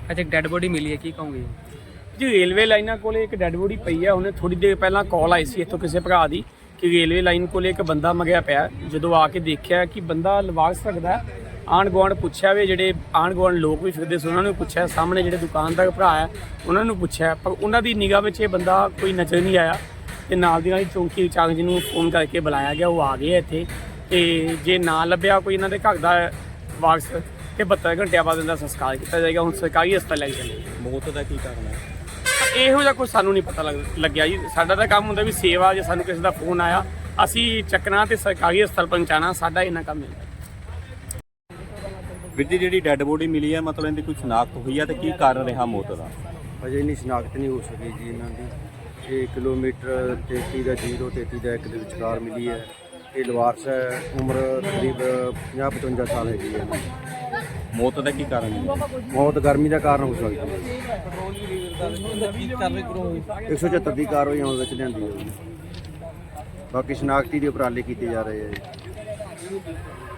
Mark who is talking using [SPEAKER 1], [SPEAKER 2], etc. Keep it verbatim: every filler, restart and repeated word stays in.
[SPEAKER 1] अच्छा, एक dead body मिली है, की कहोगे
[SPEAKER 2] ਜੀ ਰੇਲਵੇ ਲਾਈਨਾਂ ਕੋਲੇ ਇੱਕ ਡੈੱਡ ਬੋਡੀ ਪਈ ਹੈ। ਉਹਨੇ ਥੋੜੀ ਦੇਰ ਪਹਿਲਾਂ ਕਾਲ ਆਈ ਸੀ ਇੱਥੋਂ ਕਿਸੇ ਭਰਾ ਦੀ ਕਿ ਰੇਲਵੇ ਲਾਈਨ ਕੋਲੇ ਇੱਕ ਬੰਦਾ ਮਗਿਆ ਪਿਆ। ਜਦੋਂ ਆ ਕੇ ਦੇਖਿਆ ਕਿ ਬੰਦਾ ਲਵਾਗ ਸਕਦਾ, ਆਂਢ ਗੁਆਂਢ ਪੁੱਛਿਆ ਵੀ, ਜਿਹੜੇ ਆਂਢ ਗੁਆਂਢ ਲੋਕ ਵੀ ਫਿਰਦੇ ਸੀ ਉਹਨਾਂ ਨੂੰ ਪੁੱਛਿਆ, ਸਾਹਮਣੇ ਜਿਹੜੇ ਦੁਕਾਨਦਾਰ ਭਰਾ ਹੈ ਉਹਨਾਂ ਨੂੰ ਪੁੱਛਿਆ, ਪਰ ਉਹਨਾਂ ਦੀ ਨਿਗਾਹ ਵਿੱਚ ਇਹ ਬੰਦਾ ਕੋਈ ਨਜ਼ਰ ਨਹੀਂ ਆਇਆ। ਤੇ ਨਾਲ ਦੀ ਨਾਲ ਹੀ ਚੌਂਕੀ ਇੰਚਾਰਜ ਨੂੰ ਫੋਨ ਕਰਕੇ ਬੁਲਾਇਆ ਗਿਆ, ਉਹ ਆ ਗਏ ਇੱਥੇ। ਤੇ ਜੇ ਨਾ ਲੱਭਿਆ ਕੋਈ ਇਹਨਾਂ ਦੇ ਘਰ ਦਾ ਵਾਰਸ ਤੇ ਬਹੱਤਰ ਘੰਟਿਆਂ ਬਾਅਦ ਇਹਦਾ ਸੰਸਕਾਰ ਕੀਤਾ ਜਾਏਗਾ। ਹੁਣ ਸਰਕਾਰੀ ਹਸਪਤਾਲ ਲੈ ਕੇ ਚੱਲੇ।
[SPEAKER 3] ਮੌਤ ਦਾ ਕੀ ਕਾਰਨ ਹੈ?
[SPEAKER 2] ਇਹੋ ਜਿਹਾ ਕੁਝ ਸਾਨੂੰ ਨਹੀਂ ਪਤਾ ਲੱਗ ਲੱਗਿਆ ਜੀ। ਸਾਡਾ ਤਾਂ ਕੰਮ ਹੁੰਦਾ ਵੀ ਸੇਵਾ, ਜੇ ਸਾਨੂੰ ਕਿਸੇ ਦਾ ਫੋਨ ਆਇਆ ਅਸੀਂ ਚੱਕਣਾ ਤੇ ਸਰਕਾਰੀ ਹਸਪਤਾਲ ਪਹੁੰਚਾਉਣਾ, ਸਾਡਾ ਇਹਨਾਂ ਕੰਮ ਹੈ।
[SPEAKER 3] ਵੀਰ ਜੀ, ਜਿਹੜੀ ਡੈੱਡ ਬੋਡੀ ਮਿਲੀ ਹੈ, ਮਤਲਬ ਇਹਦੀ ਕੋਈ ਸ਼ਨਾਖਤ ਹੋਈ ਹੈ ਤੇ ਕੀ ਕਾਰਨ ਰਿਹਾ ਮੌਤ ਦਾ?
[SPEAKER 4] ਅਜੇ ਇੰਨੀ ਸ਼ਨਾਖਤ ਨਹੀਂ ਹੋ ਸਕੀ ਜੀ ਇਹਨਾਂ ਦੀ। ਇਹ ਕਿਲੋਮੀਟਰ ਤੇਤੀ ਦਾ ਜ਼ੀਰੋ ਤੇਤੀ ਦਾ ਇੱਕ ਦੇ ਵਿਚਕਾਰ ਮਿਲੀ ਹੈ। ਇਹ ਲਵਾਰਸ ਹੈ, ਉਮਰ ਕਰੀਬ ਪੰਜਾਹ ਪਚਵੰਜਾ ਸਾਲ ਹੈਗੀ ਹੈ।
[SPEAKER 3] ਮੌਤ ਦਾ ਕੀ ਕਾਰਨ ਹੈ?
[SPEAKER 4] ਮੌਤ ਗਰਮੀ ਦਾ ਕਾਰਨ ਹੋ ਸਕਦੀ ਹੈ। ਇੱਕ ਸੌ ਚੁਹੱਤਰ ਦੀ ਕਾਰਵਾਈ ਆਉਣ ਵਿੱਚ ਲਿਆਂਦੀ ਹੈ। ਬਾਕੀ ਸ਼ਨਾਖਤੀ ਦੇ ਉਪਰਾਲੇ ਕੀਤੇ ਜਾ ਰਹੇ ਆ ਜੀ।